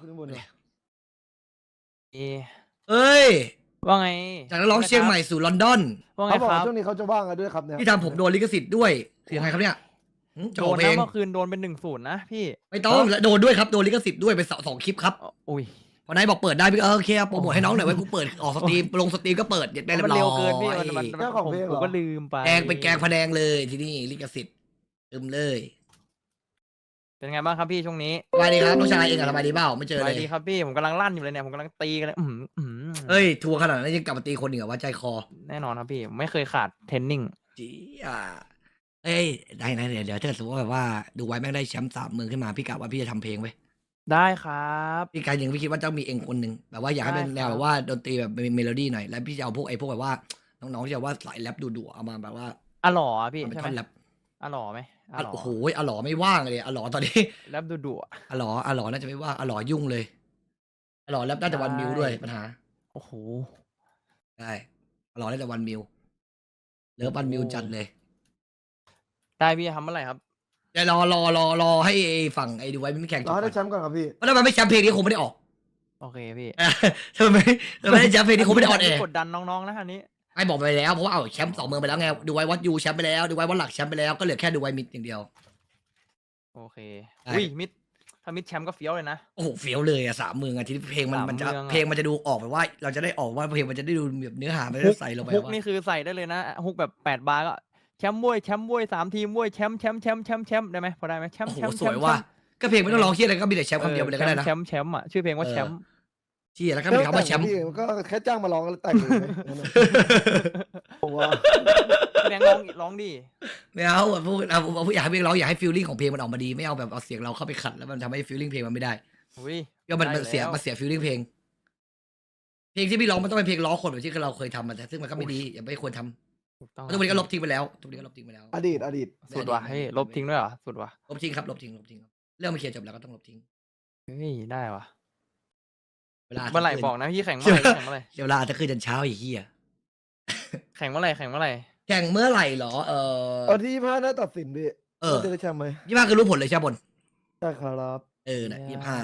ขึ้นข้างบนเลยเอเอ้ยว่าไงจากนักร้องเชียงใหม่สู่ลอนดอนว่าไงเขาบอกครัว่าบช่วงนี้เขาจะว่างกันด้วยครับเนี่ยที่ทำผมโดนลิขสิทธิ์ด้วยคือยังไงครับเนี่ยจะโดออกนเพลนะงเมื่อคืนโดนเป็น1-0นะพี่ไม่ต้องและโดนด้วยครับโดนลิขสิทธิ์ด้วยไปสองคลิปครับอุ้ยพอนายบอกเปิดได้พี่โอเคโปรโมทให้น้องหน่อยไว้กูเปิดออกสตรีมลงสตรีมก็เปิดได้เรียมันบร้อยเร็วเกินพี่มันเจ้าของเพลงเหรผมอก็ลืมไปแกงเป็นแกงพะแนงเลยที่นี่ลิขสิทธิ์ตึมเลยเป็นไงบ้างครับพี่ช่วงนี้สบายดีครับน้องชายเองอะสบายดีเปล่าไม่เจอสเลบายยดีครับพี่ผมกำลังลั่นอยู่เลยเนี่ยผมกำลังตีกันเลยเอ้ยทัวร์ขนาดนั้นยังกลับมาตีคนอีกเหรอว่าใจคอแน่นอนครับพี่ไม่เคยขาดเทรนนิ่งจีอ่ะเอ้ยได้นะเดี๋ยวถ้าสมมติว่าแบบว่าดูไว้แม่งได้แชมป์3 เมืองขึ้นมาพี่กะว่าพี่จะทำเพลงไว้ได้ครับพี่การยังพี่คิดว่าต้องมีเองคนหนึ่งแบบว่าอยากให้เป็นแนวแบบว่าดนตรีแบบเมโลดี้หน่อยแล้วพี่จะเอาพวกแบบว่าน้องๆที่แบบว่าสายแรปดุๆเอามาแบบว่าอะหล่ออะพี่ทำเป็นใช่ท่อนไหมแรปอะหล่อไหมอะหล่อโอ้โหอลอไม่ว่างเลยอลอตอนนี้แรปดุๆอะอลอน่าจะไม่ว่างอลอยุ่งเลยอลอแรปน่าจะวันมิวด้วยปัญหาโอ้โหได้อลอน่าจะวันมิวเลิฟวันมิวจัดเลยได้พี่ทำเมื่อไหร่ครับแต่รอให้ฝั่งไอ้ดูไว้ไม่แข่งจเราบให้ก่ได้อนแชมป์ก่อนครับพี่เพราะถ้ามันไม่แชมป์เพลงนี้คงไม่ได้ออกโอเคพี่ทำไมไม่ได้แชมป์เพลงนี้คงไม่ได้ออนแอร์กดดันน้องๆนะอันนี้ไอ้บอกไปแล้วเพราะว่าเอาแชมป์2 เมืองไปแล้วไงดูไว้วัดยูแชมป์ไปแล้วดูไว้วัดหลักแชมป์ไปแล้วก็เหลือแค่ดูไว้มิดอย่างเดียวโอเคได้อุ้ยมิดถ้ามิดแชมป์ก็เฟี้ยวเลยนะโอ้โหเฟี้ยวเลยอะ3 เมืองอะทีนี้เพลงมันจะ 3 เมืองอะเพลงมันจะดูออกแบบว่า เราจะได้ออกว่าเพลงมันจะได้ดูแบบเนื้อหามันฮุจะกใส่ลงไปฮุกว่านี่คือใส่ได้เลยนะฮุกแบบ8 บาร์ก็แชมป์บ้วย3 ทีมบ้วยแชมป์ได้ไหมพอได้ไหมแชมโอ้ป์โหแชมป์สวยว่ะก็เพลงไม่ต้องร้องเครียดอะไรก็มีแต่แชมป์คำเดียวไปเลยก็ได้นะแชมป์อ่ะชื่อเพลงว่าแชมป์เชี่ยแล้วก็มีคำว่าแชมป์พี่มันก็แค่จ้างมาร้องแล้วแต่งเลยไหมงั้นน่ะผมว่าแบงค์ร้องดิไม่เอาอะพวกเอาอยากให้เพลงร้องอยากให้ฟีลลิ่งของเพลงมันออกมาดีไม่เอาแบบเอาเสียงเราเข้าไปขัดแล้วมันทำให้ฟีลลิ่งเพลงมันไม่ได้อุ้ยก็มันได้เสียแล้วมันเสียฟีลลิ่งเพลงที่พี่ร้องมันต้องเป็นเพลงล้อคนแบบที่เราเคยทำมันซึ่งมันก็ไม่ดีอย่าไม่ควรทำถูกต้องทุกวันนี้ก็ลบทิ้งไปแล้วทุกวันนี้ก็ลบทิ้งไปแล้วอดีตสุดว่ะเฮ้ยลบทิ้งด้วยเหรอสุดว่ะลบทิ้งครับลบทิ้งครับเรื่องมันเคลียร์จบแล้วก็ต้องลบทิ้งเฮ้ยได้ว่ะเวลาเมื่อไหร่บอกนะพี่แข่งเมื่อไหร่แข่งเมื่อไหร่เดี๋ยวเวลาจะขึ้นจนเช้าอีกเหี้ยแข่งเมื่อไหร่แข่งเมื่อไหร่แข่งเมื่อไหร่เหรอวันที่25น่าตัดสินพี่เออว่าจะได้แชมป์ไหม 25คือรู้ผลเลยใช่ปะบนใช่ครับนะ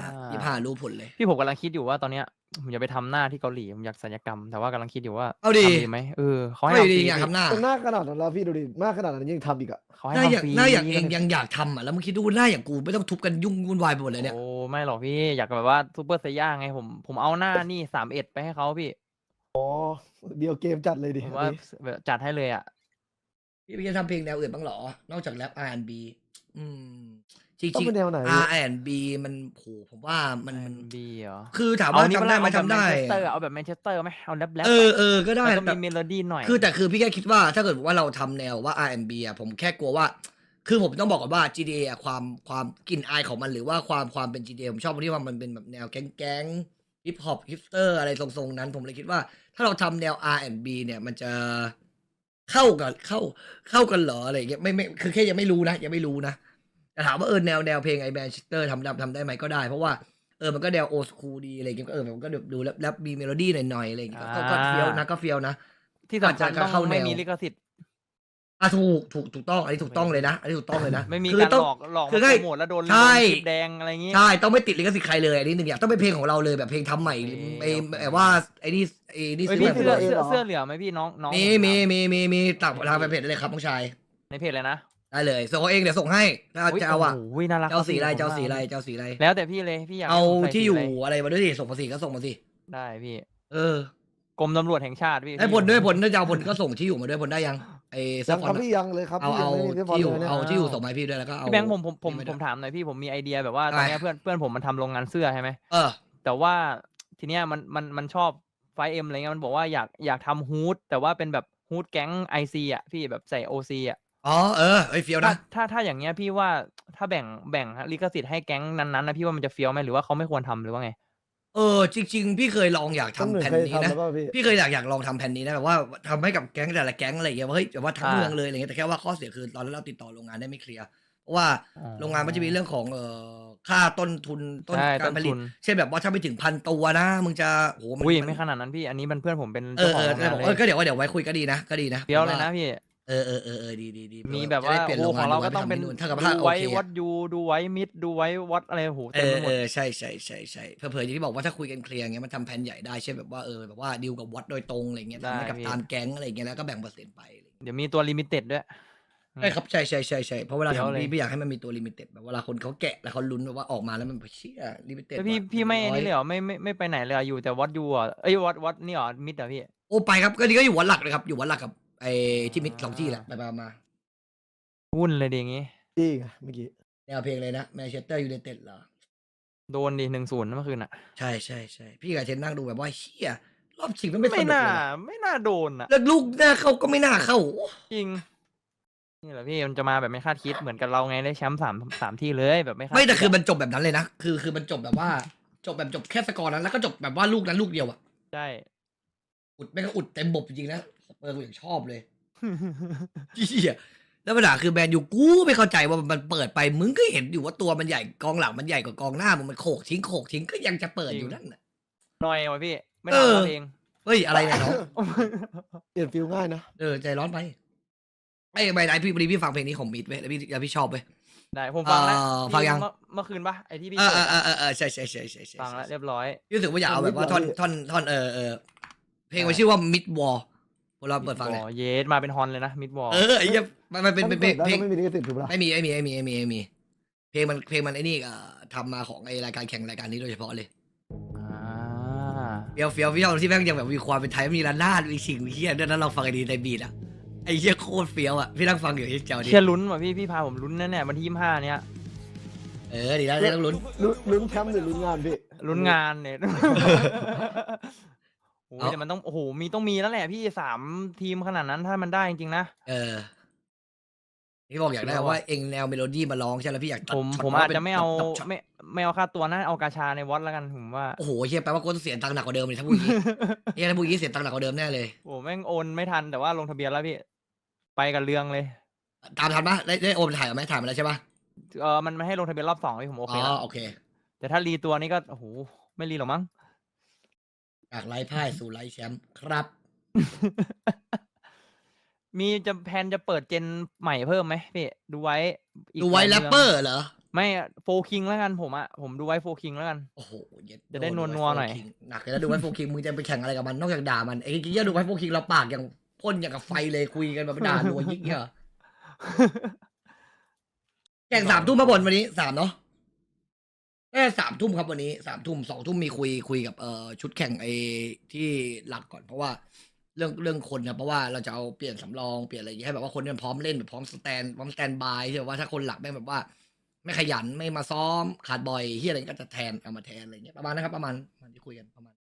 25รู้ผลเลยพี่ผมกำลังคิดอยู่ว่าตอนเนี้ยผมจะไปทำหน้าที่เกาหลีผมอยากศัลยกรรมแต่ว่ากำลังคิดอยู่ว่าเอาดิทำดีไหมเขาให้ไม่ทำฟดีรีอยากทำหน้าเป็นหน้าขนาดนั้นแล้วพี่ดูดิหน้าขนาดนั้นยังทำอีกอะเขาให้หน้าอย่างทำฟรีหน้าอย่างเองยังอยากทำอ่ะแล้วมึงคิดดูหน้าอย่างกูไม่ต้องทุบกันยุ่งวุ่นวายไปหมดเลยเนี่ยโอ้ไม่หรอกพี่อยากแบบว่าซูเปอร์ไซย่าไงผมเอาหน้านี่31ไปให้เขาพี่เดียวเกมจัดเลยดิผมว่าแบบจัดให้เลยอ่ะพี่จะทำเพลงแนวอื่นบ้างเหรอนอกจากแรป R&B อืมจต้องริงเป็นแนวไหนๆ R&B มันโหผมว่ามันบีเหรอคือถามเอาว่านี่ทำได้ไหมเอาแบบทำได้แมนเชสเตอร์เอาแบบแมนเชสเตอร์ไหมเอาแรปก็ได้แล้วก็แต่มีเมโลดี้หน่อยคือพี่แค่คิดว่าถ้าเกิดว่าเราทำแนวว่า R&B อ่ะผมแค่กลัวว่า คือผมต้องบอกก่อนว่า GTA อ่ะความกลิ่นอายของมันหรือว่าความเป็น GTA ผมชอบตรงที่ว่ามันเป็นแบบแนวแก๊งฮิปฮอปฮิปสเตอร์อะไรทรงๆนั้น ผมเลยคิดว่า ถ้าเราทำแนว R&B เนี่ยมันจะเข้ากันเหรออะไรอย่างเงี้ยไม่คือแค่ยังไม่รู้นะแต่ถามว่าแนวเพลงไอ้แมนเชสเตอร์ทำได้ไหมก็ได้เพราะว่ามันก็แนวโอ s คูลดีอะไรอย่างเงี้ยก็มันก็ดูแล้วมีเมโลดี้หน่อยๆอะไรอย่างเงี้ยก็เฟี้ยวนะที่สำคัญอาจจะเข้าต้องแนวไม่มีลิขสิทธิ์ถูกต้องอันนี้ถูกต้องเลยนะไม่มีคืการต้องหลอกคือมาให้โปรโมทแล้วโดนใช่คลิปแดงอะไรอย่างงี้ใช่ต้องไม่ติดลิขสิทธิ์ใครเลยอันนี้หนึ่งอย่างต้องเป็นเพลงของเราเลยแบบเพลงทำใหม่โอเคไอ้แบบว่าไอ้นี่เฮ้ยซื้อพี่แบบเสื้อเหลือไหมพี่น้องมีตักทางไปเพจได้เลยครับน้องชายในเพจเลยนะได้เลยส่งเอาเองเดี๋ยวส่งให้ถ้าจะเอาอะโอ้ยน่ารักเจ้าสีอะไรผมเจ้าว่สีอะไรแล้วแต่พี่เลยพี่อยากเอาให้ผมใส่ที่อยู่สีะไรอะไรมาด้วยสิส่งมาสิก็ส่งมาสิได้พี่เออกรมตำรวจแห่งชาติพี่ไอ้ผลด้วยผลถ้าจะเอาผลก็ส่งที่อยู่มาด้วยผลได้ยังไอ้เสื้ยัอง ฟคอรันบพี่ยังเลยครับเอาพี่ยังไม่มีพี่บอลที่อยู่เลยเนี่ยเอาที่อยู่ส่งมาให้พี่ด้วยแล้วก็เอาพี่แบงค์ผมนี่ได้วยถามหน่อยพี่ผมมีไอเดียแบบว่าตอนเนี้ยอะไรเพื่อนผมมันทำโรงงานเสื้อใช่ไหมเออแต่ว่าทีเนี้ยมันชอบไฟเอ็มอะไรเงี้ยมันบอกว่าอยากทำฮูดแต่ว่าเป็นแบบฮูดแก๊งไอซีอ่ะพี่แบบใส่โอซีอ่ะอ๋อไอ้เฟี้ยวนะถ้าอย่างเงี้ยพี่ว่าถ้าแบ่งลิขสิทธิ์ให้แก๊งนั้นๆนะพี่ว่ามันจะเฟี้ยวไหมหรือว่าเขาไม่ควรทำหรือว่าไงจริงๆพี่เคยลองอยากต้นทำหนึ่งแผ่นเคยนี้ทำนะแล้วป่ะพี่พี่เคยอยากลองทำแผ่นนี้นะแบบว่าทำให้กับแก๊งแต่ละแก๊งอะไรอย่างเงี้ยว่าเฮ้ยแบบว่าทั้งเมืองเลยอะไรเงี้ยแต่แค่ว่าข้อเสียคือตอนนั้นเราติดต่อโรงงานได้ไม่เคลียร์เพราะว่าอ๋อโรงงานมันจะมีเรื่องของค่าต้นทุนต้นใช่การผลิตต้นทุนเช่นแบบว่าถ้าไม่ถึง1,000 ตัวนะมึงจะโหอุ้ยไม่ขนาดนั้นพี่อันนี้มันเพื่อนผมเป็นเอเจ้าอของโรงงานเลยก็เดี๋ยวไว้คุยก็ดีนะเฟี้ยวเลยนะพี่ดีมีแบบว่าจะได้เปลี่ยนโอ้โรงขงาอน งเราดูไว้ก็ต้องเป็นไปทำที่นู่นถ้ากับดูถ้าโอไว้เควัอะดยูดูไว้มิดดูไว้วัดอะไรโหเต็มไปหมดใช่เผลอๆอย่างที่บอกว่าถ้าคุยกันเคลียร์อย่างเงี้ยมันทำแผนใหญ่ได้เช่นแบบว่าแบบว่าดีลกับวัดโดยตรงอะไรเงี้ยทำให้กับได้พี่ตามแก๊งอะไรเงี้ยแล้วก็แบ่งเปอร์เซ็นต์ไปอะไรเงี้ยเดี๋ยวมีตัวลิมิเต็ดด้วยใช่ครับใช่เพราะเวลาเดี๋ยวทำเลยพี่อยากให้มันมีตัวลิมิเต็ดแบบเวลาคนเขาแกะแล้วเขาลุ้นแบบว่าออกมาแล้วมันเชี่ยลิมิเต็ดแล้วพี่ไม่นี่เลยเหรอไม่ไปไหนเลยเหรออยู่แต่วัดยูอ่ะเอ้ยวัดนี่เหรอมิดเหรอพี่โอ้ไปครับก็นี่ก็อยู่วัดหลักเลยครับอยู่วัดหลักกับไอ้ที่มิด2 ที่แหละไปมาวุ่นเลยดิอย่างงี้จี้ไงเมื่อกี้แนวเพลงเลยนะแมนเชสเตอร์ยูไนเต็ดเหรอโดนดิ1-0เมื่อคืนอ่ะใช่พี่กับเชนนั่งดูแบบว่าเชี่ยรอบชิงมันไม่สไม่นุกน่าเลยว่ะไม่น่าโดนอ่ะแล้วลูกหน้าเข้าก็ไม่น่าเข้าจริงนี่แหละพี่มันจะมาแบบไม่คาดคิดเหมือนกับเราไงได้แชมป์สามที่เลยแบบไม่คาดไม่แต่ดคืออะมันจบแบบนั้นเลยนะคือมันจบแบบว่าจบแค่สกอร์นั้นแล้วก็จบแบบว่าลูกนั้นลูกเดียวอะใช่อุดไม่ก็อุดเต็มบบจริงๆนะสเปอร์กูอย่างชอบเลยเหี้ยแล้วปัญหาคือแมนยูกูไม่เข้าใจว่ามันเปิดไปมึงก็เห็นอยู่ว่าตัวมันใหญ่กองหลังมันใหญ่กว่ากองหน้ามึงมันโขกทิ้งก็ยังจะเปิดอยู่นั่นน่ะหน่อยวะพี่ไม่เอทำอเราเองเฮ้ยอะไรเนี่ยน้องเปลี่ยนฟิลง่ายนะใจร้อนไปไอ้ใบไหนพี่พอดีพี่ฟังเพลงนี้ของมิดเว้ยแล้วพี่ชอบเว้ยได้ผมฟังแล้วฟังยังเมื่อคืนปะไอที่พี่เอเปิดอะอใช่ฟังแล้วเรียบร้อยพี่รู้สึกว่าอยากเอาแบบว่าท่อนเพลงมันชื่อว่า Mid War พวกเราเปิดฟังเลยอ๋อเยสมาเป็นฮอนเลยนะมิดวอลไอ้เหี้ยมันเป็นเพลงแล้วไม่มีลิขสิทธิ์ถูกปะล่ะไม่มีเพลงมันไอ้นี่ทำมาของไอ้รายการแข่งรายการนี้โดยเฉพาะเลยเฟี้ยวพี่ชอบที่แม่งยังแบบมีความเป็นไทยมีระนาดมีสิ่งมีเฮียด้วยนั้นเราฟังไอ้ดีในบีทอะไอ้เฮียโคตรเฟี้ยวอะพี่นั่งฟังอยู่ที่เจ้าดิเชียร์ลุ้นว่ะพี่พาผมลุ้นแน่ๆวันที่25เนี้ยดีแล้วต้องลุ้นลุ้นแชมป์หรือลุ้นงานพี่ลุ้นงานเนี่ย โอ้ยแต่มันต้องโอ้โหต้องมีแล้วแหละพี่3 ทีมขนาดนั้นถ้ามันได้จริงๆนะพี่บอกอยากได้ว่าเองแนวเมโลดี้มาร้องใช่แล้วพี่อยากตัดผมอาจจะไม่เอาไม่เอาค่าตัวนะเอากาชาในวัดแล้วกันผมว่าโอ้โหเฮียแปลว่ากูต้องเสียตังค์หนักกว่าเดิมเลยถ้าพูดอย่างนี้เฮียถ้าพูดอย่างนี้เสียตังค์หนักกว่าเดิมแน่เลยโอ้แม่งโอนไม่ทันแต่ว่าลงทะเบียนแล้วพี่ไปกับเรื่องเลยตามทันปะได้โอนถ่ายไหมถ่ายมาแล้วใช่ปะมันไม่ให้ลงทะเบียนรอบ2พี่ผมโอเคแล้วโอเคแต่ถ้ารีตัวนี้ก็โอ้โหไม่รีหรอกมั้งจากไร้พ่ายสู่ไร้แชมป์ครับมีแพนจะเปิดเจนใหม่เพิ่มไหมพี่ดูไว้อีกดูไว้หแรลายปมืงเปอร์เหรอไม่โฟคิงแล้วกันผมดูไว้โฟคิงแล้วกันโอ้โหเย็ดจะได้นัวๆหน่อยหนักเลยนะดูไว้โฟคิงมึงจะไปแข่งอะไรกับมันนอกจากด่ามันไอ้กี้ยดูไว้โฟคิงเราปากอย่างพ่นอย่างกับไฟเลยคุยกันแบบด่ารัวยิ่งเงี้ยแข่ง3 ทุ่มมาบนวันนี้3เนาะ3 ทุ่มครับวันนี้3 ทุ่ม2 ทุ่มมีคุยกับชุดแข่งไอ้ที่หลักก่อนเพราะว่าเรื่องคนนะเพราะว่าเราจะเอาเปลี่ยนสำรองเปลี่ยนอะไรอย่างเงี้ยให้แบบว่าคนเนี่ยพร้อมเล่นแบบพร้อมสแตนบายใช่ไหมว่าถ้าคนหลักแม่งแบบว่า ไม่ขยันไม่มาซ้อมขาดบ่อยเฮียอะไรก็จะแทนเอามาแทนอะไรเงี้ยประมาณนะครับประมาณที่คุยกันประมาณ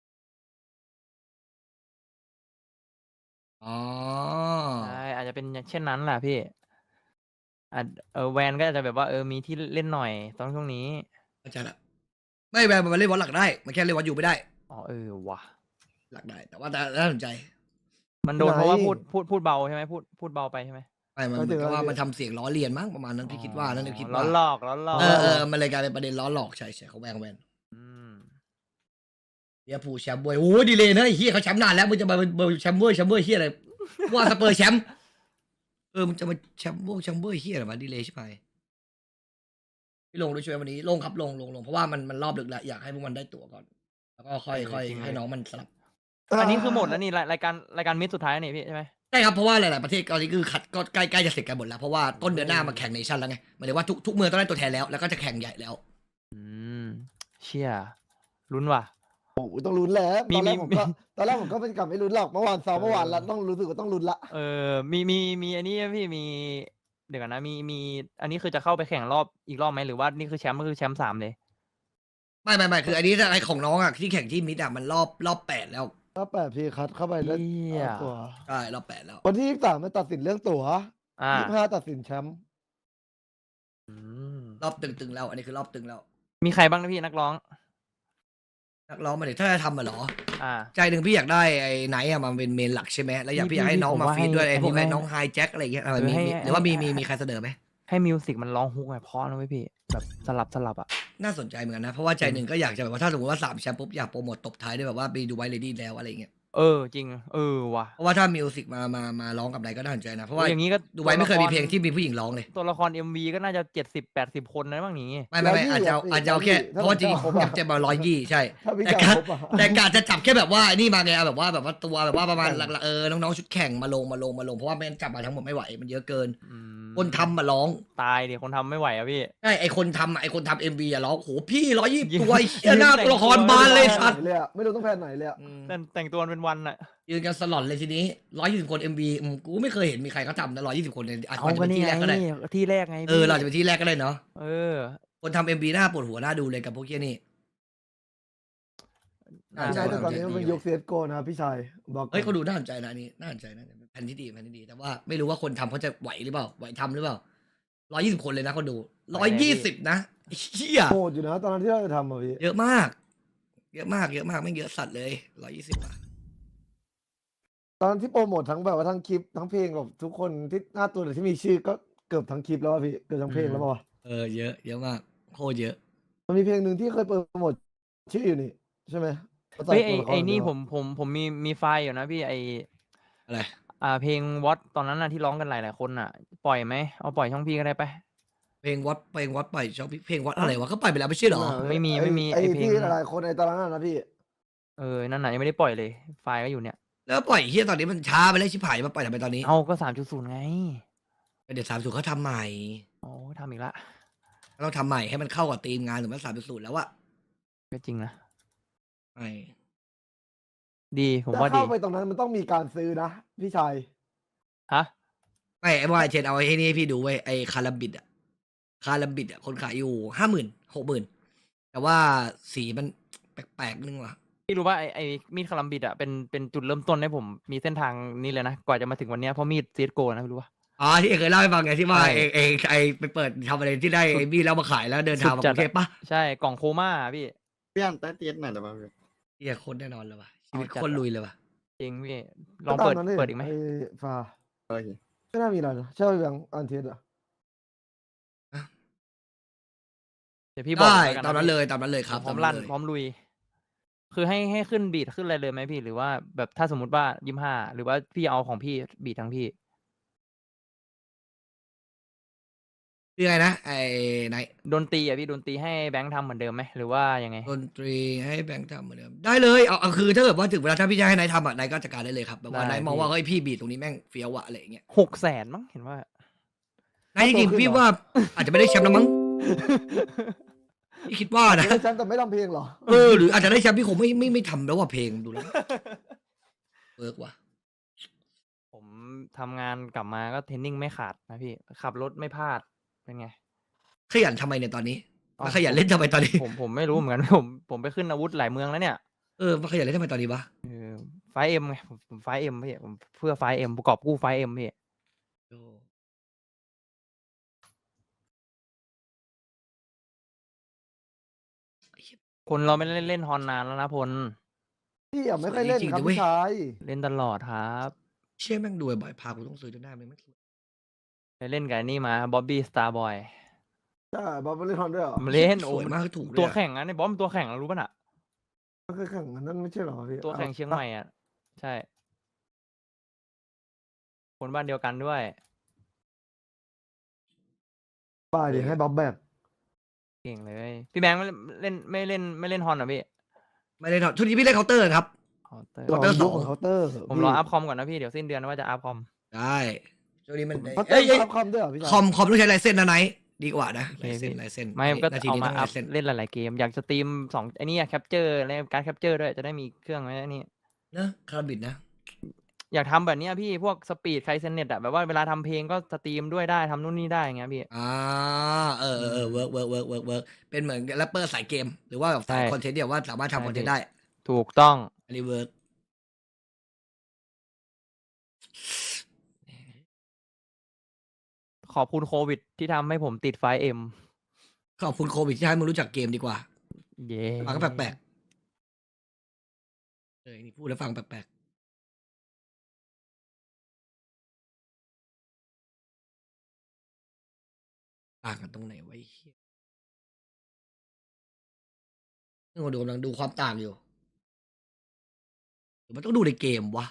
อ๋อใช่อาจจะเป็นเช่นนั้นแหละพี่แวนก็อาจจะแบบว่ามีที่เล่นหน่อยตอนช่วงนี้เข้าใจละไม่แบบมันเล่นวัดหลักได้มันแค่เล่นวัดอยู่ไม่ได้อ๋อว่ะหลักได้ แต่ว่าน่าสนใจมันโดนเพราะว่าพูดเบาใช่ไหมพูดเบาไปใช่ไหมไม่มันเหมือนกับว่ามันทำเสียงล้อเลียนมั้งประมาณนั้นพี่คิดว่านั่นพี่คิดล้อว่าหลอกล้อมันเลยกลายเป็นประเด็นล้อหลอกใช่เขาแวนอืมเฮียผู้แชมป์บวยโอ้ดีเลยนะไอ้เฮียเขาแชมป์นานแล้วมึงจะมาเบอร์แชมป์เบอร์เฮียอะไรว่าสเปอร์แชมป์มึงจะมาแชมป์เบอร์เฮียอะไรมาดีเลยใช่ไหมพี่ลงด้วยช่วยวันนี้ลงครับลงเพราะว่ามันรอบดึกแล้วอยากให้พวกมันได้ตั๋วก่อน แล้วก็ค่อยให้น้องมันสลับอันนี้คือหมดแล้วนี่รายการมิดสุดท้ายนี่พี่ใช่ไหมใช่ครับเพราะว่าหลายๆประเทศตอนนี้คือคัดก็ใกล้จะเสร็จกันหมดแล้วเพราะว่าต้นเดือนหน้ามาแข่งเนชั่นแล้วไงหมายถึงว่าทุกเมืองต้องได้ตัวแทนแล้วก็จะแข่งใหญ่แล้วเชี่ยลุ้นว่ะโอ้โหต้องลุ้นแล้วมีตอนแรกผมก็เป็นกลับไม่ลุ้นหรอกเมื่อวานซ้อมเมื่อวานแล้วต้องรู้สึกว่าต้องลุ้นละมีอันนี้พี่มีเดี๋ยวกันนะมีอันนี้คือจะเข้าไปแข่งรอบอีกรอบไหมหรือว่านี่คือแชมป์ก็คือแชมป์3เลยไม่คืออันนี้ไอของน้องอ่ะที่แข่งที่มิดอ่ะมันรอบ8แล้วก็8พี่คัดเข้าไปแล้วเอาตัวใช่รอบ8แล้ววันที่23มันตัดสินเรื่องตั๋ว25ตัดสินแชมป์รอบตึงแล้วอันนี้คือรอบตึงแล้วมีใครบ้างนะพี่นักร้องมาเดี๋ยวถ้าจะทำเหรออ่าใจหนึ่งพี่อยากได้ไอ้ไนท์อะมาเป็นเมนหลักใช่ไหมแล้วพี่อยากให้น้องมาฟีดด้วยไอ้พวกไอ้น้องไฮแจ็คอะไรอย่างเงี้ยหรือว่ามีใครเสนอไหมให้มิวสิกมันร้องฮุกไงเพราะนะเว้ยพี่แบบสลับอ่ะน่าสนใจเหมือนกันนะเพราะว่าใจหนึ่งก็อยากจะแบบว่าถ้าสมมติว่า3 แชมป์ปุ๊บอยากโปรโมทตบท้ายด้วยแบบว่าไปดูไวเลดี้แล้วอะไรเงี้ยจริงว่ะเพราะว่าถ้ามิวสิกมาร้องกับไหนก็น่าสนใจนะเพราะว่าอย่างนี้ก็ดูไว้ไม่เคยมีเพลงที่มีผู้หญิงร้องเลยตัวละคร MV ก็น่าจะ70-80 คนนะบ้างนี้ไม่อาจจะเอาแค่เพราะว่าจริงอยากจะมา120ใช่ถ้าพี่แต่จ่ายการครบอะแต่การจะจับแค่แบบว่านี่มาไงแบบว่าตัวแบบว่าประมาณหลักๆน้องๆชุดแข่งมาลงเพราะว่าไม่งั้นจับมาทั้งหมดไม่ไหวมันเยอะเกินอืมคนทำมาร้องตายดิคนทำไม่ไหวอะพี่ใช่ไอคนทำMVอะร้องโหพี่120 ตัวยืนเหี้ยหน้าตัวละครบานเลยแพสันตว์ไหนเลยอะไม่รู้ต้องแพนไหนเลยอะแต่งตัวเป็นวันอะยืนกันสลอนเลยทีนี้120 คน MV กูไม่เคยเห็นมีใครเขาทำนะ120 คนเลยอาจเอาจะก็เป็นนี่ที่ไงแรกก็ได้ที่แรกไงเราจะเป็นที่แรกก็ได้เนาะเออคนทำMVหน้าปวดหัวหน้าดูเลยกับพวกเกี้ยนี่อ่าพี่ชายแต่ตอนนี้มันเป็นยุค CSGO นะครับพี่ชายบอกก่อนเฮ้ยเขาดูน่าสนใจนะอันนี้น่าสนใจนะแผนที่ดีแต่ว่าไม่รู้ว่าคนทำเขาจะไหวหรือเปล่าไหวทำหรือเปล่า120 คนเลยนะคนดู120นะเชี่ยโหดอยู่นะตอนนั้นที่เราจะทำอะพี่เยอะมากไม่งเยอะสัตว์เลย120อ่ะตอนนั้นที่โปรโมททั้งแบบว่าทั้งคลิปทั้งเพลงกับทุกคนที่หน้าตัวหรือที่มีชื่อก็เกือบทั้งคลิปแล้วอะพี่เกือบทั้งเพลงแล้วป่าวะเยอะมากโคตรเยอะมันมีเพลงหนึ่งที่เคยโปรโมทชื่ออยู่นี่ใช่ไหมขาใส่เฮ้ยตัวละครไอ้นี่เดียวผมมีไฟล์อยู่นะพี่ไออะไรเพลงวอตตอนนั้นน่ะที่ร้องกันหลายคนน่ะ ปล่อยไหมเอาปล่อยช่องพี่ก็ได้ไปเพลงวัดไปชอบเพลงวัดอะไรวะก็ไปแล้วไม่ใช่เหรอไม่มีไอ้ไอ้เพลงที่หลายๆคนในตอนนั้นนะพี่นั่นน่ะยังไม่ได้ปล่อยเลย ไฟล์ก็อยู่เนี่ยแล้วปล่อยเฮียตอนนี้มันช้าไปแล้วชิบหายมาปล่อยทำไมตอนนี้เอาก็3.0ไงเดี๋ยว30เขาทำใหม่โอ้ทำอีกละต้องทำใหม่ให้มันเข้ากับธีมงานถึงมัน30แล้วอะก็จริงนะใช่ดีผมถ้าว่าดีเข้าไปตรงนั้นมันต้องมีการซื้อนะพี่ชายฮะไม่ไอ้บอยเชนเอาไอ้นี่ให้พี่ดูไว้ไอ้คาราบิดอะคนขายอยู่50,000 60,000แต่ว่าสีมันแปลกๆนึงว่ะพี่รู้ว่าไอ้มีดคาลัมบิดอ่ะเป็นจุดเริ่มต้นให้ผมมีเส้นทางนี้เลยนะกว่าจะมาถึงวันเนี้ยเพราะมีดซีดโกนะพี่รู้ป่ะอ๋อที่เอกเคยเล่าให้ฟังไงที่ว่าใช่เองไปเปิดทำอะไรที่ได้ไอ้บี้แล้วมาขายแล้วเดินทางมาสุดจักดรุงเทพปะใช่กล่องโคม่าพี่พี่อันใต้เตียงไหนแต่ว่าพี่เฮียโคนแน่นอนเลยว่ะชีวิตเอาจัดโคนลุยเลยว่ะจริงพี่ลองเปิดก็ตามนั้นเปิดอีกไหมไอ้ฟ้าโอเคไม่น่ามีอะไรนะใช่ไหมแบงค์อันเทสอะเดี๋ยวพี่บอกได้แล้วกัตามนั้นเลยครับพร้อมตาลั่นเลยพร้อมลุย คือให้ขึ้นบีทขึ้นอะไรเลยไหมพี่ หรือว่าแบบถ้าสมมุติว่า25หรือว่าพี่เอาของพี่บีททั้งพี่คือไงนะไอ้ไหนดนตรีอ่ะพี่ดนตรีให้แบงค์ทำเหมือนเดิมไหมหรือว่ายังไงดนตรีให้แบงค์ทำเหมือนเดิมได้เลยเอาคือถ้าเกิดว่าถึงเวลาถ้าพี่จะให้นายทำอ่ะนายก็จัดการได้เลยครับแบบว่าได้นายมองพี่ว่าเฮ้ยพี่บีทตรงนี้แม่งเฟี้ยวอะอะไรอย่างเงี้ย 600,000มั้งเห็นว่านายจริงๆพี่ว่าอาจจะไม่ได้แชมป์แล้วมั้งพี่คิดว่านะไม่ใช่ฉันแต่ไม่ทำเพลงเหรอหรืออาจจะได้แชมป์พี่คงไม่ทำแล้วว่าเพลงดูแล้วเวิร์กว่ะผมทำงานกลับมาก็เทรนนิ่งไม่ขาดนะพี่ขับรถไม่พลาดเป็นไงขยันทำไมเนี่ยตอนนี้อ้าวมาขยันเล่นทำไมตอนนี้ผมไม่รู้เหมือนกัน ผมไปขึ้นอาวุธหลายเมืองแล้วเนี่ยมาขยันเล่นทำไมตอนนี้วะไฟเอ็มไงผมไฟเอ็มพี่ผมเพื่อไฟเอ็มประกอบกู้ไฟเอ็มพี่ คนเราไม่ได้เล่นฮอนนานแล้วนะพลพี่อ่ะไม่ค่อยเล่นจริงๆครับนะเว้ยพี่ชายเล่นตลอดครับเชี่ยแม่งดูบ่อยๆพากูต้องซื้อจนได้ไหมไม่ไปเล่นกับไอ้นี่มาบ๊อบบี้สตาร์บอยใช่บอลไม่เล่นฮอนด้วยเหรอมาเล่นสโอ้วยมากถูกเลยตัวอะแข่งนะในบอมตัวแข่งอะรู้ป่ะน่ะไม่เคยแข่งอันนั้นไม่ใช่เหรอพี่ตัวแข่งเชียงใหม่อ่ะ ใช่ คนบ้านเดียวกันด้วยบ้าดิให้บ๊อบแบกเก่งเลย พี่แบงค์ไม่เล่นฮอนเหรอพี่ไม่ได้ทำทุกทีพี่เล่นเคาน์เตอร์ครับเคาน์เตอร์เคาน์เตอร์ยุค 2 ของเคาน์เตอร์ผมรออัพคอมก่อนนะพี่เดี๋ยวสิ้นเดือนว่าจะอัพคอมได้ช่วงนี้มันเคาน์เตอร์อัพคอมด้วยเหรอพี่ชายคอมต้องใช้ลายเส้นนะไนท์ดีกว่านะโอเคลายเส้นพี่ลายเส้นไม่ก็นาทีเอานี้มาต้องอัลาพยเส้นเล่นหลายๆเกม อยากสตรีม2ไอ้นี่แคปเจอร์และการแคปเจอร์ด้วยจะได้มีเครื่องไว้นี่นะคาราบิดนะอยากทำแบบเนี้ยพี่พวกสปีดไคเซนเน็ตอะแบบว่าเวลาทำเพลงก็สตรีมด้วยได้ทำนู่นนี่ได้อย่างเงี้ยพี่เวิร์กเป็นเหมือนแรปเปอร์สายเกม หรือว่าแบบสายใช่คอนเทนต์เดียวว่าสามารถใช่ทำคอนเทนพี่ต์ได้ถูกต้องอันนี้เวิร์กขอบคุณโควิดที่ทำให้ผมติดไฟเอ็มขอบคุณโควิดที่ให้มึงรู้จักเกมดีกว่าเย้ฟังก็แปลกๆนี่พูดแล้วฟังแปลกๆต่างกันตรงไหนไวะไอ้เหี้ยนี่คนดูกำลังดูความต่างอยู่หรือมันต้องดูในเกมวะ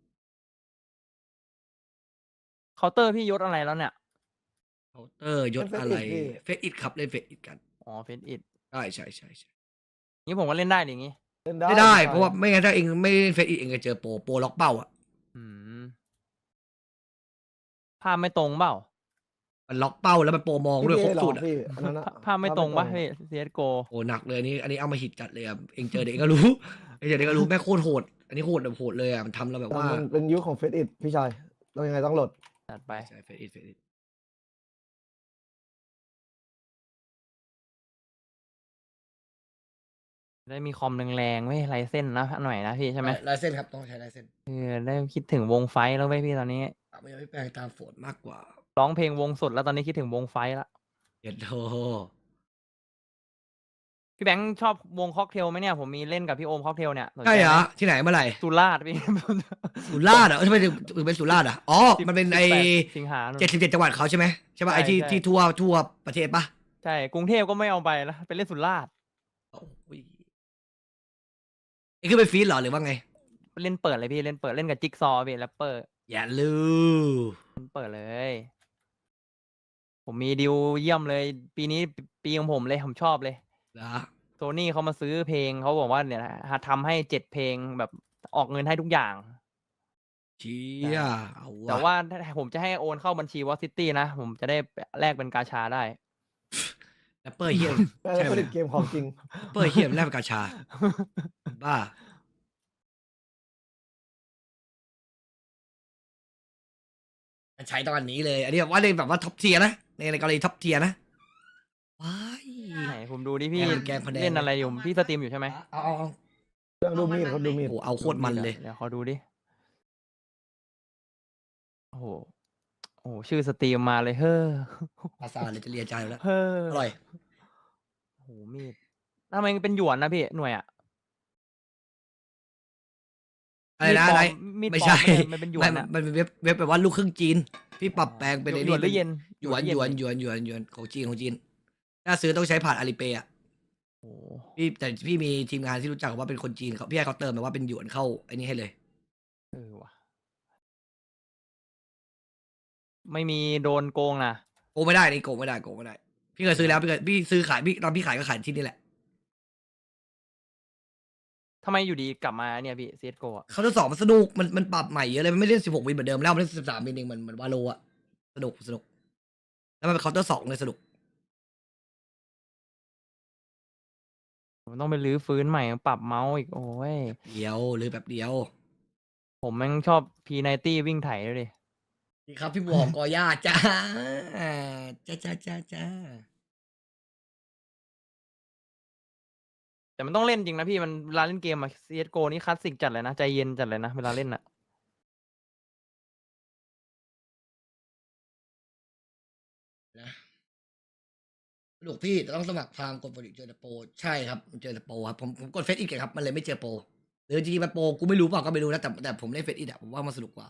เคาน์เตอร์พี่ยศอะไรแล้วเนี่ยเคาน์เตอร์ยศอะไรเฟซอิดครับเล่นเฟซอิดกันอ๋อเฟนอิดใช่ใช่ใช่ใช่งี้ผมก็เล่นได้ดิงี้เล่นไม่ได้พี่ชยเพราะว่าไม่งั้นถ้าเองไม่เล่นเฟซอิดเองจะเจอโปรล็อกเป้าอ่ะอืมภาพไม่ตรงเปล่ามันล็อกเป้าแล้วมันโปรมองด้วยครบพี่สุดเหรออ่ะพี่อันนั้นอะภาพไม่ตรงปะพี่ CSGO โอ้หนักเลยอันนี้เอามาหิดจัดเลยอ่ะเองเจอเด็กก็รู้ เองเจอเด็กก็รู้แม่งโคตรโหดอันนี้โหดแบบโหดเลยอ่ะมันทำเราแบบว่ามันเป็นยุคของเฟซอิดพี่ชายเรายังไงต้องโหลดจัดไปใช่เฟซอิดได้มีคอมแรงๆไม่ไรเส้นนะหน่อยนะพี่ใช่ไหมลายเส้นครับต้องใช้ลายเส้นได้คิดถึงวงไฟท์แล้วไหมพี่ตอนนี้ไม่ไม่แปลงตามโฟนมากกว่าร้องเพลงวงสดแล้วตอนนี้คิดถึงวงไฟท์ละเย็ดโธพี่แบงค์ชอบวงค็อกเทลไหมเนี่ยผมมีเล่นกับพี่โอมค็อกเทลเนี่ยสนใจใช่เหรอไมที่ไหนเมื่อไหร่สุราษฎร์พี่สุราษฎร์เหรอทำไมถึงเป็นสุราษฎร์อ่ะอ๋อมันเป็นไอ 18สิงหานู่น 77จังหวัดเขาใช่ไหมใช่ป่ะใช่ไอที่ใช่ที่ทั่วประเทศปะใช่กรุงเทพก็ไม่เอาไปแล้วไปเล่นสุราษฎร์โอ้ยนี่คือเป็นฟีดเหรอหรือว่าไงเล่นเปิดเลยพี่เล่นเปิดเล่นกับจิ๊กซอว์พี่แรปเปอร์อย่าลืมเปิดเลย ผมมีดีลเยี่ยมเลย ปีนี้ปีของผมเลยผมชอบเลยนะโซนี่เขามาซื้อเพลงเขาบอกว่าเนี่ยนะทำให้7เพลงแบบออกเงินให้ทุกอย่างเชี่ยเอาแต่วะว่าถ้าผมจะให้โอนเข้าบัญชีวอซิตี้นะ ผมจะได้แลกเป็นกาชาได้แรปเปอร์เฮียแต่ใช่ไหมผลิตเกมของจริงแรปเปอร์เฮียแลกเป็นกาชาบ้าใช้ตอนนี้เลย อันนี้แบบว่าเล่นแบบว่าท็อปเทียนะในกรณีท็อปเทียนะว้ายไหนผมดูดิพี่แกงพะแนงเล่นอะไรอยู่พี่สตรีมอยู่ใช่ไหมเอาเรื่องดูมีดเขาดูมีดโอ้เอาโคตรมันเลยเดี๋ยวขอดูดิ โอ้โหโอ้โหชื่อสตรีมมาเลยเฮ้อภาษาเลยจะเรียนใจอยู่แล้วเฮ้ออร่อยโอ้โหมีดทำไมเป็นหยวนนะพี่หน่วยอะอะไรนะอะไรมีดปลอมไม่ใช่มันเป็นหยวนไม่อะมันเป็นเว็บแบบว่าลูกครึ่งจีน พี่ปรับแปลงเป็นไอ้หยวนหรือนี่เย็นหยวนเหยวนของจีนถ้าซื้อต้องใช้ผ่านอาลีเปย์อ่ะโอ้โหแต่พี่มีทีมงานที่รู้จักว่าเป็นคนจีนเขาพี่ให้เขาเติมแบบว่าเป็นหยวนเข้าไอ้นี่ให้เลยเออว่ะไม่มีโดนโกงนะโกงไม่ได้นี่โกงไม่ได้พี่เคยซื้อแล้วพี่ซื้อขายพี่ตอนพี่ขายก็ขายที่นี่แหละทำไมอยู่ดีกลับมาเนี่ยพี่ CSGO อะเขาทดสอบมันสนุกมันปรับใหม่เยอะเลยมันไม่เล่น16 วินเหมือนเดิมแล้วมันเล่น13 วินเองเหมือนวาโลอะสนุกแล้วมันเป็นเคาน์เตอร์2เลยสนุกผมต้องไปรื้อฟื้นใหม่ปรับเมาส์อีกโอ้ยเดียวหรือแบบเดียวผมแม่งชอบ P90 วิ่งไถเลยดิดีครับพี่บอกกอย่าจ้าจ้าแต่มันต้องเล่นจริงนะพี่มันเวลาเล่นเกมอะ CSGO นี่คลาสสิกจัดเลยนะใจเย็นจัดเลยนะเวลาเล่นอะนะสนุกพี่แต่ต้องสมัครพรามกดโปรดิเจอแต่โปรใช่ครับมันเจอแต่โปรครับผมกดเฟซอีกครับมันเลยไม่เจอโปรหรือจริงๆมันโปรกูไม่รู้เปล่าก็ไม่รู้นะแต่ผมเล่นเฟซอีกอะผมว่ามันสนุกกว่า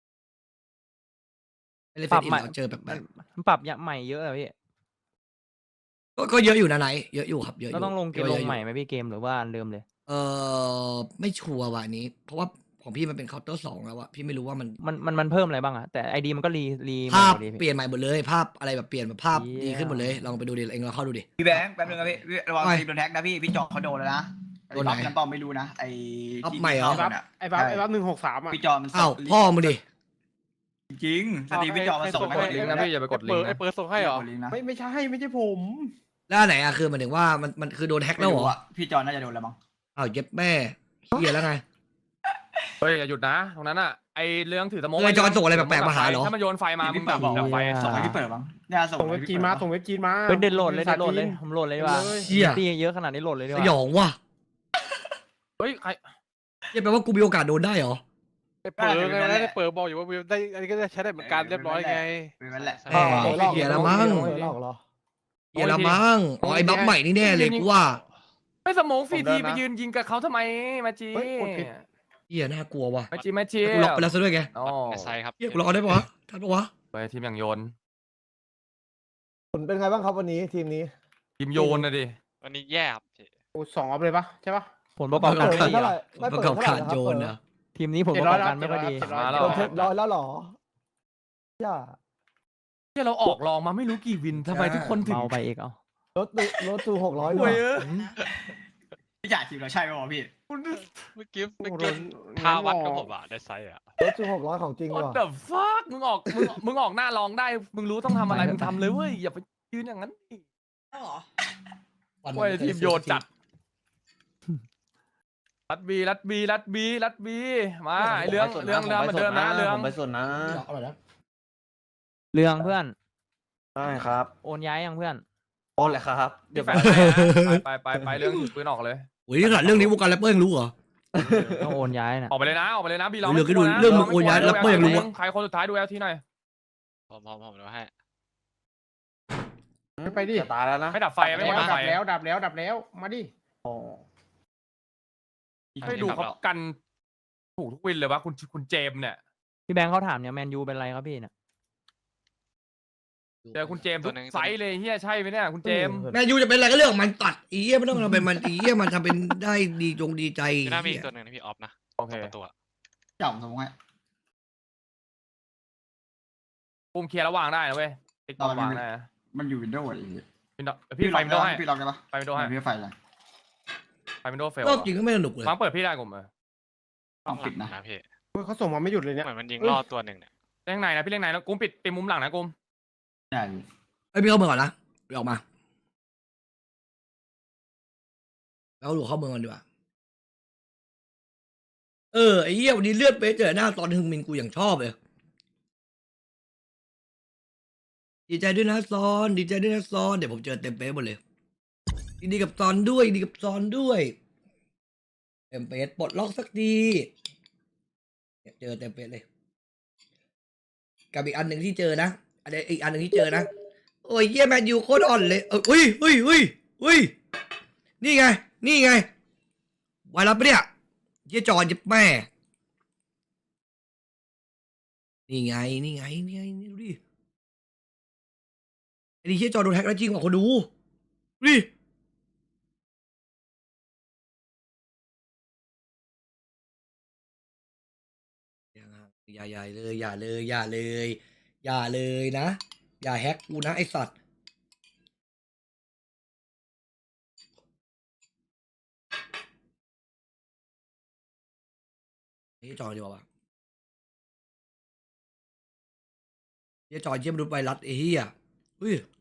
เล่นเฟซอีกเราเจอแบบมันปรับยะใหม่เยอะอะพี่ก็เยอะอยู่นะไหนเยอะอยู่ครับเยอะอก็ยู่ต้องลงเกมเยลอะงอยู่ใหม่ไหมพี่เกมหรือว่าอันเดิมเลยไม่ชัวร์ว่ะอันนี้ เพราะว่าของพี่มันเป็นเคาน์เตอร์2แล้วอะพี่ไม่รู้ว่ามันมันเพิ่มอะไรบ้างอะแต่ไอดีมันก็รีภาพใหม่หมดดิเปลี่ยนใหม่หมดเลยภาพอะไรแบบเปลี่ยนแบบภาพเหี้ยดีขึ้นหมดเลยลองไปดูดิเองลองเข้าดูดิพี่แบงค์แป๊บนึงครับพี่ระวังไม่ทีมโดนแท็กนะพี่จอเขาโดนแล้วนะโดนไหนรับกันเปล่าไม่รู้นะไอ้รับที่ใหม่เหรอเข้าน่ะไอ้บัฟ163อ่ะพี่จอมันอ้าวพ่อมึงดิจริงสตรีมพี่จอมันส่งให้กส่ดงลิงก์ให้นะพี่อย่าไปกดลิงก์นะไอ้เปิดส่งให้เหรอกดลิงก์นะไม่ใช่ผมแล้วอันไหนอะคือหมายถึงว่ามันคือโดนแฮ็กแล้วเหรออะพี่จอน่าจะโดนแล้วมั้งอ้าวเย็บแม่เฮียแล้วไงเฮ้ยอย่าหยุดนะตรงนั้นอ่ะไอเรื่องถือสโมกเออจอนส่งอะไรแปลกๆมาหาเหรอถ้ามันโยนไฟมามึพี่งเปิดัดบบอกดับไฟอะส่งให้พี่เปิดมั้งเนี่ยส่งส่งเว็บจีนมาเฮ้ยเดินโหลดเลยผมโหลดเลยดีกว่าเชี่ยตีเยอะขนาดนี้โหลดเลยดีกสว่ายองว่ะเฮ้ยใครเหี้ยแปลว่ากูมีโอกาสโดนได้เหรอไอ้เปิดไงไอ้เปิดบอกอยู่ว่าได้อันนี้ก็ได้ใช้ได้เหมือนกันเรียบร้อยไงเป็นนั่นแหละแหมเฮียละมั้งหลอกเหรอเฮียละมั้งอ๋อไอ้บัฟใหม่นี่แน่เลยกูว่าไม่สโมกฟรีผมเดิทีนนะไปยืนยิงกับเขาทำไมมาจีเฮ้ยกดผิดเฮียน่ากลัวว่ะมาจีกูล็อกไปแล้วซะด้วยไงอ๋อไซครับเฮียกูล็อกได้ปะวะทันปะวะไปทีมอย่างโยนผลเป็นไงบ้างครับวันนี้ทีมนี้ทีมโยนนะดิวันนี้แย่ครับพี่โอ้2 ออฟเลยปะใช่ปะผลประกอบเปิการดไม่ดีเท่าไหอะร่ไม่ประเปิดกอบเท่าไหการร่นะคโยรับนเปิดนะทีมนี้ผมประกอบการไม่ค่อยดี 700 มาแล้วโดนเทปร้อยแล้วเหรอย่าที่เราออกลองมาไม่รู้กี่วินทำไมทุกคนถึงเบาไปอีกเอารถตู600 โอ้ด้วย ยพี่จ่ายทีมเราใช่ไหมวะพี่เมื่อกี้โอ้โหท่าวัดกับผมอะได้ไซส์อะรถตู600ของจริง What ว่ะ the fuck มึงออกหน้าลองได้ มึงรู้ต้องทำอะไร มึงทำเลยเว้ย อย่าไปยืนอย่างนั้นดิวันโอ้ยทีมโยนจัด รัดบีมาไอเรื่องเหมือนเดิมนะเรื่องผมไปสุดนะอร่อยนะเรื่องเพื่อนใช่ครับโอนย้ายยังเพื่อนโอ้แหละครับเดี๋ยวแฟนให้นะไปเรื่องถือปืนออกเลยโอ้ยนี่ขนาดเรื่องนี้วงการแรปเปอร์ยังรู้เหรอต้องโอนย้ายนะออกไปเลยนะบีลองเรื่องก็ดูเรื่องมึงโอนย้ายแล้วก็ยังรู้ว่าใครคนสุดท้ายดูแอลทีหน่อยผมดูให้ไปดิจะตายแล้วนะไม่ดับไฟไม่หมดดับไฟดับแล้วมาดิอ๋อไม่ดูเขากันถูกทุกวินเลยวะคุณเจมส์เนี่ยพี่แบงค์เขาถามเนี่ยแมนยูเป็นไรครับพี่เนี่ยเจอคุณเจมส์ทุกไฟท์เลยเฮียใช่ไหมเนี่ยคุณเจมส์แมนยูจะเป็นอะไรก็เรื่องของมันตัดอีเหี้ยไม่ต้องเราเป็นมันอีเหี้ยมันทำเป็นได้ดีใจพี่น่ามีอีกตัวหนึ่งนะพี่ออฟนะโอเคประตูอะจ่อมสมมติให้ปุ่มเคลียร์ระหว่างได้นะเว้ยติ๊กต็อกวางได้นะมันอยู่วินโดว์อะไรพี่ไฟวินโดว์ให้พี่ล็อกได้ปะไฟวินโดว์ให้พี่ไฟอะไรไฟวินโดว์เฟลรอบจริงก็ไม่สนุกเลยฟังเปิดพี่ได้กลุ่มต้องปิดนะพี่เขาส่งมาไม่หยุดเลยเนี่ยเหมือนมันยิงรอดตัวหนึ่งเนี่ยเล่นไหนนะพี่เล่นไหนแล้วกลุ่มปิดมุมหลังนะกลุ่มใช่ไอ้พี่เข้าเมืองก่อนนะไปออกมาแล้วหลวเข้าเมืองก่อนดีกว่าไอ้เหี้ยวันนี้เลือดเป๊ะเจอหน้าตอนฮึงมินกูอย่างชอบเลยดีใจด้วยนะซอนดีใจด้วยนะซอนเดี๋ยวผมเจอเต็มเป๊ะหมดเลยดีกับซอนด้วยดีกับซอนด้วยเต็มเป๊ะปลดล็อกสักทีเนี่ยเจอเต็มเป๊ะเลยกับอีกอันหนึ่งที่เจอนะอันนี้อีกอันหนึ่งที่เจอนะโอ้ยเยี่ยแมนยูโคตรอ่อนเลยอุ้ยนี่ไงไวรัสปะเนี่ยเยี่ยจอยิบแม่นี่ไงดูดิไอ้นี่เยี่ยจอโดนแฮกแล้วจริงกว่าคนดูดิอย่าเลยอย่าเลยนะอย่าแฮกกูนะไอสัตว์นี่จอดีกว่าเยี่ยจอเยี่ยมนุษย์ไวรัสไอ้เหี้ยอุ้ย